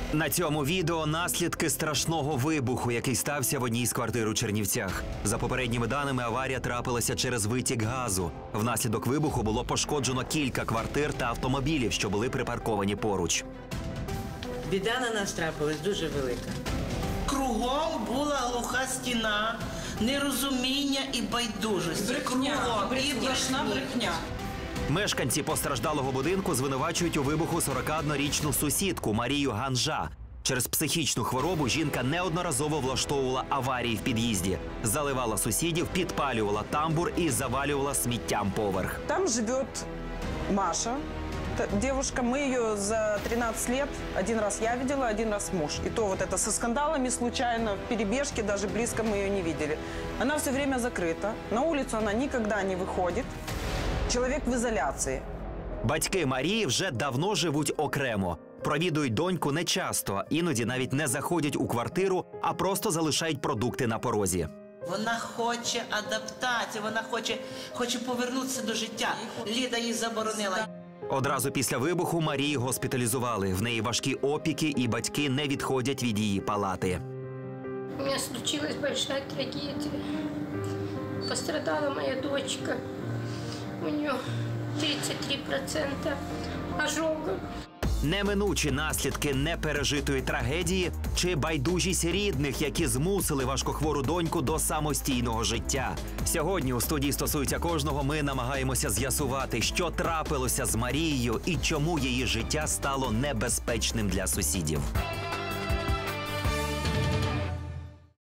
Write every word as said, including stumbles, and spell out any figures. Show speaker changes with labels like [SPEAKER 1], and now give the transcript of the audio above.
[SPEAKER 1] На цьому відео наслідки страшного вибуху, який стався в одній з квартир у Чернівцях. За попередніми даними, аварія трапилася через витік газу. Внаслідок вибуху було пошкоджено кілька квартир та автомобілів, що були припарковані поруч.
[SPEAKER 2] Біда на нас трапилась дуже велика. Кругом була глуха стіна, нерозуміння і байдужість.
[SPEAKER 3] Брехня, брехня, брехня.
[SPEAKER 1] Мешканці постраждалого будинку звинувачують у вибуху сорокаоднорічну сусідку Марію Ганжа. Через психічну хворобу жінка неодноразово влаштовувала аварії в під'їзді, заливала сусідів, підпалювала тамбур і завалювала сміттям поверх.
[SPEAKER 4] Там живет Маша, девушка. Мы ее за тринадцать лет один раз я видела, один раз муж. И то вот это со скандалами случайно, в перебежке, даже близко мы ее не видели. Она все время закрыта, на улицу она никогда не выходит. Чоловік в ізоляції.
[SPEAKER 1] Батьки Марії вже давно живуть окремо. Провідують доньку нечасто, іноді навіть не заходять у квартиру, а просто залишають продукти на порозі.
[SPEAKER 2] Вона хоче адаптації, вона хоче, хоче повернутися до життя. Ліда їй заборонила.
[SPEAKER 1] Одразу після вибуху Марії госпіталізували. В неї важкі опіки, і батьки не відходять від її палати.
[SPEAKER 5] У меня случилась большая трагедия. Пострадала моя дочка. У нее тридцать три процента ожога.
[SPEAKER 1] Неминучі наслідки непережитої трагедії чи байдужість рідних, які змусили важкохвору доньку до самостійного життя. Сьогодні у студії «Стосується кожного» ми намагаємося з'ясувати, що трапилося з Марією і чому її життя стало небезпечним для сусідів.